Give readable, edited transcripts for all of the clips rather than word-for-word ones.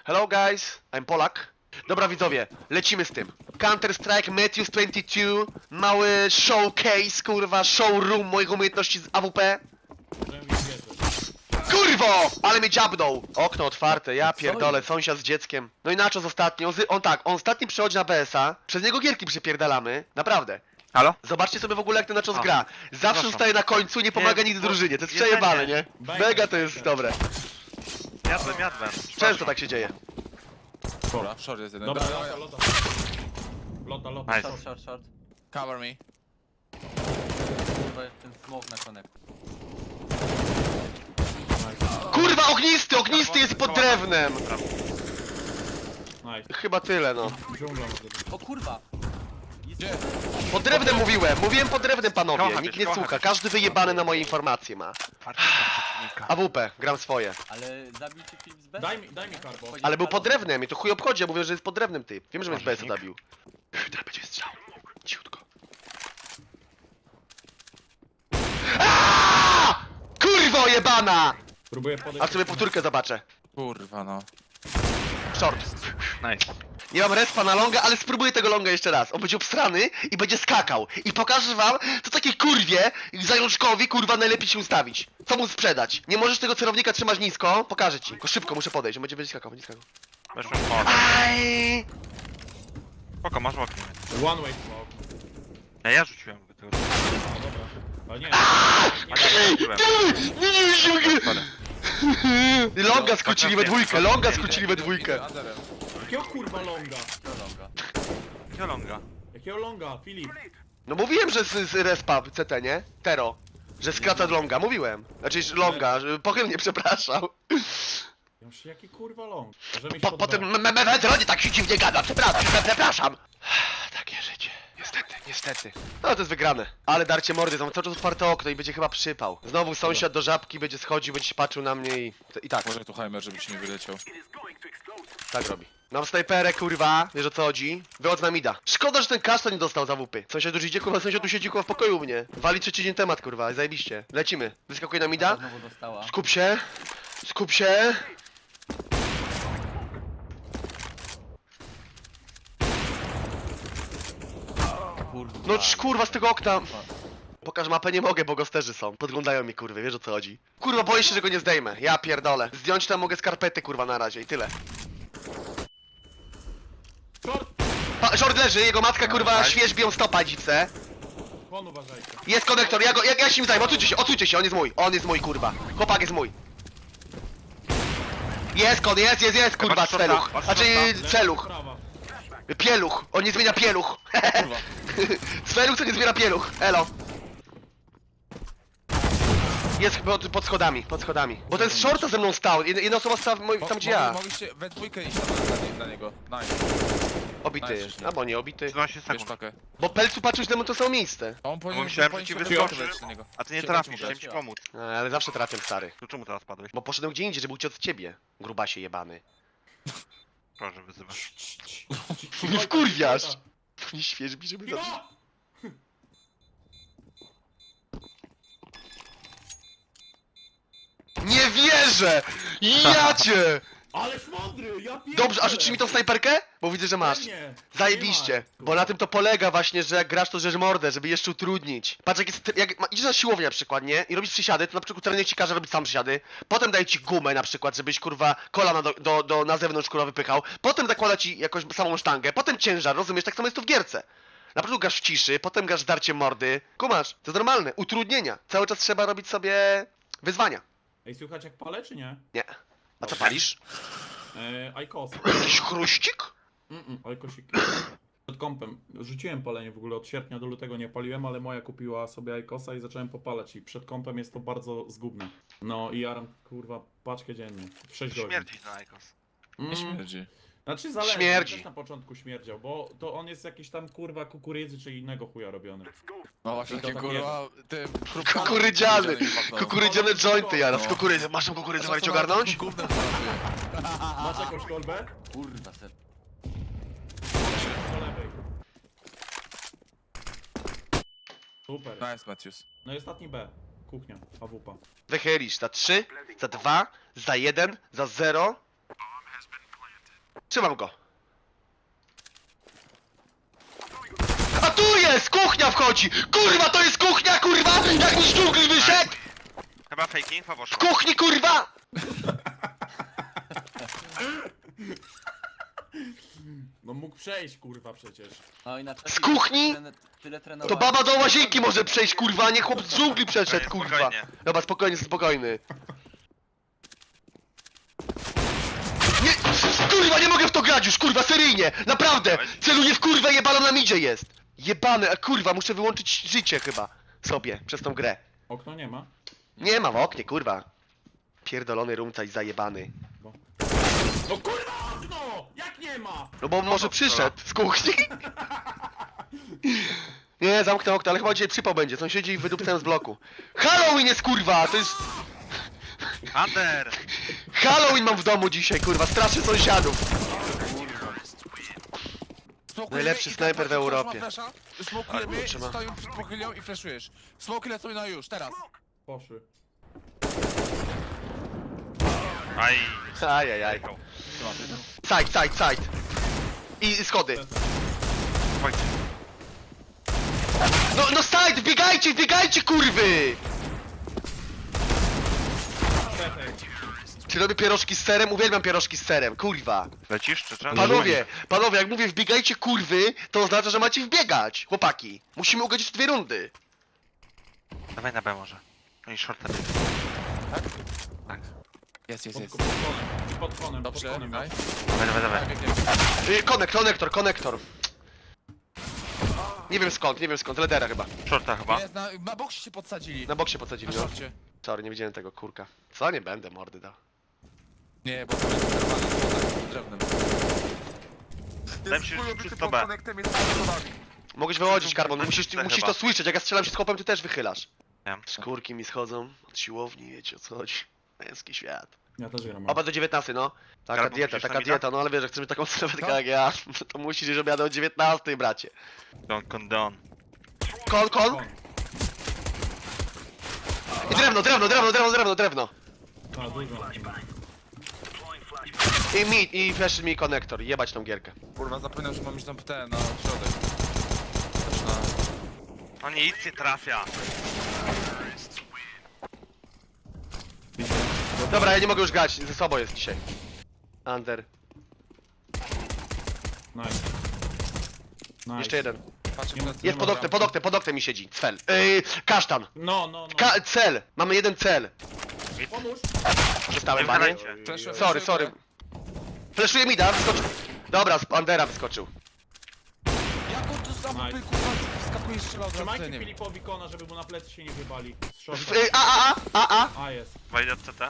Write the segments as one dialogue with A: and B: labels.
A: Hello guys, I'm Polak. Dobra widzowie, lecimy z tym. Counter-Strike, Matthews 22, mały showcase, kurwa, showroom moich umiejętności z AWP. Kurwo! Ale mnie dziabnął! Okno otwarte, ja pierdolę, sąsiad z dzieckiem. No i Nachos ostatnio, on ostatni przychodzi na BS-a, przez niego gierki przypierdalamy, naprawdę.
B: Halo?
A: Zobaczcie sobie w ogóle jak ten Nachos gra. Zawsze
B: Przepraszam.
A: zostaje na końcu, nie pomaga nigdy drużynie, to jest przejebane, nie? Mega to jest dobre.
B: Jadłem.
A: Często tak się dzieje.
C: Dobra, short jest jeden.
D: Dobra,
C: Dobra,
D: lota.
B: Nice.
E: Short.
C: cover me.
E: To jest ten smoke na connect.
A: Kurwa, ognisty jest pod drewnem!
D: Nice.
A: Chyba tyle, no.
D: Dżungla może być.
E: O kurwa!
C: Gdzie?
A: Pod drewnem mówiłem pod drewnem panowie,
B: Kocham
A: nikt
B: cię,
A: nie
B: kocham
A: słucha,
B: cię.
A: każdy wyjebany na moje informacje ma. AWP, gram swoje.
E: Ale zabił cię Filip z B?
D: Daj mi karbo.
A: Ale był pod drewnem i to chuj obchodzi, ja mówię, że jest pod drewnem typ. Wiem, że mnie z BS zabił. Teraz będzie strzał. Ciutko. Aaaa! Kurwo jebana!
D: Próbuję podejść.
A: A sobie powtórkę zobaczę.
C: Kurwa no.
A: Short.
B: Nice.
A: Nie mam respa na longa, ale spróbuję tego longa jeszcze raz. On będzie obsrany i będzie skakał. I pokażę wam, co takiej kurwie, zajączkowi, kurwa, najlepiej się ustawić. Co mu sprzedać. Nie możesz tego celownika trzymać nisko, pokażę ci. Tylko szybko muszę podejść, on będzie skakał, będzie skakał.
B: Weszłem w mordę.
A: Aj!
B: Spoko, masz w oknie.
D: One way smoke.
B: Ja rzuciłem go tego.
D: A dobra. A nie.
A: Longa skrócili we dwójkę, longa skrócili we dwójkę.
C: Underem.
D: Jakiego kurwa longa?
E: Longa.
B: Kiolonga.
D: Jakiego longa? Filip.
A: No mówiłem, że z respa CT, nie? Tero. Że skraca longa, mówiłem. Znaczy longa, że pochylnie przepraszam.
D: Już jaki kurwa long? Możemy iść pod
A: Potem
D: B.
A: Metronie tak się dziwnie gada, przepraszam. Takie życie, niestety. No to jest wygrane. Ale darcie mordy, mam cały czas otwarte okno i będzie chyba przypał. Znowu sąsiad do żabki będzie schodził, będzie się patrzył na mnie i tak.
C: Może tu Heimer, żeby ci nie wyleciał.
A: Tak robi. Mam snajperę, kurwa, wiesz o co chodzi? Wychodź na mida. Szkoda, że ten kasztan nie dostał za WP. Sąsiad już idzie, kurwa, sąsiad tu siedzi, kurwa, w pokoju u mnie. Wali trzeci dzień temat, kurwa, zajebiście. Lecimy. Wyskakuje na mida.
E: Znowu dostała.
A: Skup się. Skup się.
E: Kurwa.
A: No kurwa, z tego okna. Pokaż mapę, nie mogę, bo gosterzy są. Podglądają mi, kurwy, wiesz o co chodzi. Kurwa, boję się, że go nie zdejmę. Ja pierdolę. Zdjąć tam mogę skarpety, kurwa, na razie i tyle.
D: Short!
A: Short leży, jego matka, kurwa, świeżbi ją stopa, dziwce.
D: Kon uważajcie.
A: Jest konektor, ja się nim zajmę, odsuńcie się, on jest mój, kurwa. Chłopak jest mój. Jest kon, jest, kurwa,
B: Patrz,
A: celuch.
B: patrz,
A: Znaczy, celuch.
D: Prawa.
A: Pieluch, on nie zmienia pieluch.
C: Kurwa.
A: Celuch, co nie zmienia pieluch, elo. Jest pod schodami. Bo ten z shorta ze mną stał, jedna osoba stała tam gdzie ja.
C: Mogliście we dwójkę iść na niego. Nice.
A: Obity
C: Nice.
A: jest, albo nie obity.
B: 12
C: Bierz
B: sekund.
C: pakę.
A: Bo Pelcu patrzył na to samo miejsce.
C: A on powinien
B: myślałem, że
C: powinien
B: ci
C: się
B: wyskoczy.
C: wylecieć na niego.
B: A ty nie
C: Cię
B: trafisz,
C: dać mu
B: chciałem
C: dać.
B: ci pomóc.
A: Ale zawsze trafię, stary.
B: To czemu teraz padłeś?
A: Bo poszedłem gdzie indziej, żeby uciec od ciebie. Grubasie jebany.
B: Proszę, wyzywasz.
A: Nie wkurwiasz. Nie świeżbi, żeby zacząć.
D: Cicho!
A: Nie wierzę! Ja cię!
D: Ależ mądry! Ja pierdolę!
A: Dobrze, a rzucisz mi tą snajperkę? Bo widzę, że masz.
D: Pewnie.
A: Zajebiście.
D: Nie ma.
A: Bo na tym to polega właśnie, że jak grasz to żeż mordę, żeby jeszcze utrudnić. Patrz jak jest, idziesz na siłownię na przykład, nie? I robisz przysiady, to na przykład trener ci każe robić sam przysiady. Potem daje ci gumę na przykład, żebyś kurwa kolana na zewnątrz kurwa wypychał. Potem zakłada ci jakąś samą sztangę. Potem ciężar, rozumiesz? Tak samo jest to w gierce. Na początku grasz w ciszy, potem grasz darciem mordy. Kumasz, to jest normalne. Utrudnienia. Cały czas trzeba robić sobie wyzwania.
D: Ej, słychać jak palę, czy nie?
A: Nie. A co palisz?
D: Ajkos.
A: Jakiś chruścik?
D: Ajkosik. Przed kompem. Rzuciłem palenie w ogóle, od sierpnia do lutego nie paliłem, ale moja kupiła sobie Ajkosa i zacząłem popalać i przed kompem jest to bardzo zgubne. No i jaram, kurwa, paczkę dziennie. W 6 godzin.
B: Śmierci na Aikos.
C: Nie śmierdzi.
D: Znaczy zależy,
A: Śmierdzi.
D: też na początku śmierdział, bo to on jest jakiś tam kurwa kukurydzy czy innego chuja robiony.
C: No właśnie
D: I to
C: takie
D: tak
C: kurwa...
A: Kukurydziany. Kukurydziane jointy jaraz.
C: No.
A: Kukurydzę. Masz tą kukurydzę walić ogarnąć?
C: Gównem pracuje.
D: Masz jakąś kolbę?
E: Kurwa ser.
D: Do lewej. Super.
C: Nice, Matthews.
D: No i ostatni B. Kuchnia, AWP.
A: Wychylisz za 3, za 2, za 1, za 0. Trzymam go. A tu jest! Kuchnia wchodzi! Kurwa, to jest kuchnia, kurwa! Jak mi z dżungli wyszedł!
B: Chyba fake info
A: W
B: poszło.
A: kuchni, kurwa!
D: No mógł przejść, kurwa, przecież.
E: No i na czasie
A: Z kuchni?
E: Tyle
A: To
E: trenowałem.
A: baba do łazienki może przejść, kurwa, a nie chłop z dżungli przeszedł, kurwa.
B: Spokojnie.
A: Dobra, spokojnie, spokojny. Nie, kurwa, nie mogę w to grać już, kurwa, seryjnie! Naprawdę! Celuję w kurwę, jebaną na midzie jest! Jebany, a kurwa, muszę wyłączyć życie chyba sobie przez tą grę.
D: Okno nie ma.
A: Nie ma w oknie, kurwa. Pierdolony rumcaj zajebany.
D: No kurwa, okno! Jak nie ma?
A: No bo może przyszedł z kuchni. Nie, zamknę okno, ale chyba dzisiaj przypał będzie. Sąsiedzi wydupcają z bloku. Halloween jest, kurwa! To jest...
B: Under!
A: Halloween mam w domu dzisiaj, kurwa. Straszę sąsiadów.
C: Smokujemy
A: Najlepszy
C: i
A: snajper w
C: ktoś ma
A: Europie.
C: flasha,
A: A,
C: Smokujemy,
A: kurczę, ma.
C: stoją przed pochylnią i flashujesz. Smoki lecą na już, teraz.
D: Poszły.
B: Aj.
A: Ajajaj. Side. I schody.
B: Chodźcie.
A: No side, wbiegajcie, kurwy! Czy robię pierożki z serem? Uwielbiam pierożki z serem, kurwa.
B: Lecisz czy co?
A: Panowie, jak mówię wbiegajcie kurwy, to oznacza, że macie wbiegać, chłopaki. Musimy ugodzić w 2 rundy.
B: Dawaj na B może. Oni shorta biegną. Tak?
C: Jest.
D: Pod konem.
C: Dobrze,
D: pod konem.
C: daj.
B: Dawaj.
A: Konektor. Nie wiem skąd, ledera chyba.
B: Shorta chyba.
C: Jest, na boksie się podsadzili.
A: Na boksie podsadzili,
C: Na
A: no.
C: szorcie.
A: Sorry, nie widziałem tego, kurka. Co? Nie będę mordy dał.
C: Nie, bo to jest zerwane z drewnem.
B: Wydaje mi się, że czysto B.
A: Mogłeś wychodzić, Karbon, musisz
B: chyba.
A: to słyszeć, jak ja strzelam się z chłopem, ty też wychylasz.
B: Wiem.
A: Szkórki mi schodzą od siłowni, wiecie o co chodzi. Męski świat.
D: Ja też gram.
A: Oba do 19, no. Taka
B: Karbon,
A: dieta,
B: musisz
A: taka
B: na mida?
A: dieta, no ale wiesz, jak chcemy taką sylwetkę jak ja, to musisz, żeby ja do 19, bracie.
B: Don't condone.
A: Kon. I drewno.
D: A, dużo.
A: I flash mi konektor, jebać tą gierkę.
C: Kurwa, zapomniał, że mam iść tam ten, na środek. Też na...
B: No nic nie trafia.
A: Dobra, ja nie mogę już grać, ze sobą jest dzisiaj. Under.
D: Nice.
A: Jeszcze jeden.
C: Patrzę
D: Nie ma-
C: plecy.
A: Jest pod oknem mi siedzi, cel. Kasztan.
D: No.
A: Cel, mamy jeden cel.
D: Pomóż.
A: Przestałem,
B: Nie
A: panie.
B: wychylajcie.
C: Flashuję
A: Sorry.
C: górę.
A: Fleszuje mi da, wyskoczył. Dobra, z Undera wyskoczył.
C: Jak on tu za
D: Nice.
C: mapy, kurwa, wyskakuje strzelał od razu,
D: Trzymajcie
C: nie wiem.
D: Filipowi kona, żeby mu na plecy się nie wybali. Z shorta.
A: A.
D: A, jest.
B: Wejdę od CT.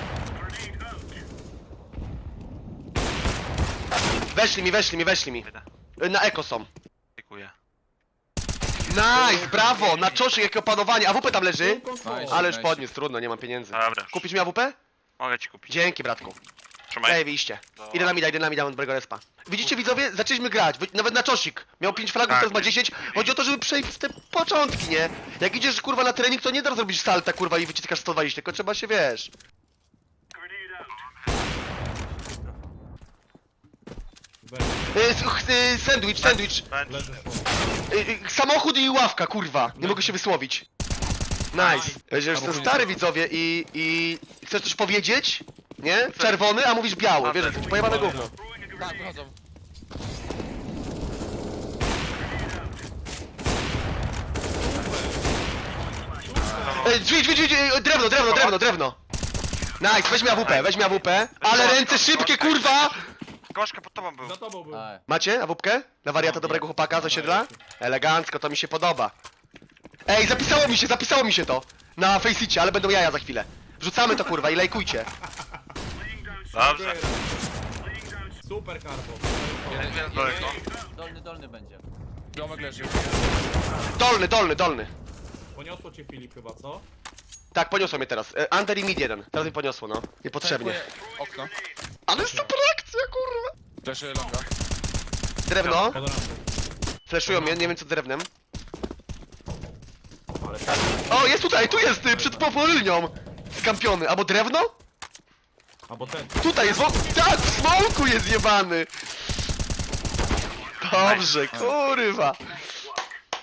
A: Weszli mi.
B: Wejdę.
A: Na eko są.
B: Dziękuję.
A: Nice, brawo, na czoszy jakie opanowanie. AWP tam leży.
C: Nice.
A: Ale już podniósł, trudno, nie mam pieniędzy.
B: Dobra. już.
A: Kupisz mi AWP?
B: Mogę ci kupić.
A: Dzięki, bratku.
B: Trzymaj.
A: Ej, wyjście. Idę na mida, mam dobrego respa. Widzicie widzowie? Zaczęliśmy grać, nawet na czosik. Miał 5 fragów,
B: Tak.
A: teraz ma 10. Chodzi o to, żeby przejść w te początki, nie? Jak idziesz kurwa na trening, to nie da zrobić salta kurwa i wyciskasz 120, tylko trzeba się, wiesz. Sandwich.
B: Bench.
D: Leży.
A: Samochód i ławka, kurwa. Nie mogę się wysłowić. Nice. Że jestem stary widzowie i chcesz coś powiedzieć? Nie? Czerwony, a mówisz biały. Wiesz, to pojebane gówno.
C: Tak, wychodzą.
A: Drzwi, drewno. Nice, weź mi AWP. Ale ręce szybkie, kurwa!
B: Gorzka pod tobą był.
D: Za tobą był.
E: Aj.
A: Macie AWPkę? Na wariata dobrego chłopaka z osiedla? Elegancko, to mi się podoba. Ej, zapisało mi się to. Na Faceicie, ale będą jaja za chwilę. Wrzucamy to kurwa i lajkujcie.
B: Dobrze.
D: Super Karbo.
B: Jest daleko.
E: Dolny będzie.
C: Domek leży.
A: Dolny.
D: Poniosło cię Filip chyba, co?
A: Tak, poniosło mnie teraz. Under i mid jeden. Teraz mi poniosło, no. Niepotrzebnie.
C: Tankuję okno.
A: Ale super akcja, kurwa.
C: Flashuję longa.
A: Drewno.
D: Pod rampą.
A: Flashują mnie, nie wiem co drewnem.
D: Ale
A: O, jest tutaj, tu jest, przed powolnią. Skampiony. Albo drewno?
D: Albo ten.
A: Tutaj jest, tak, w smoku jest jebany! Dobrze, kurwa!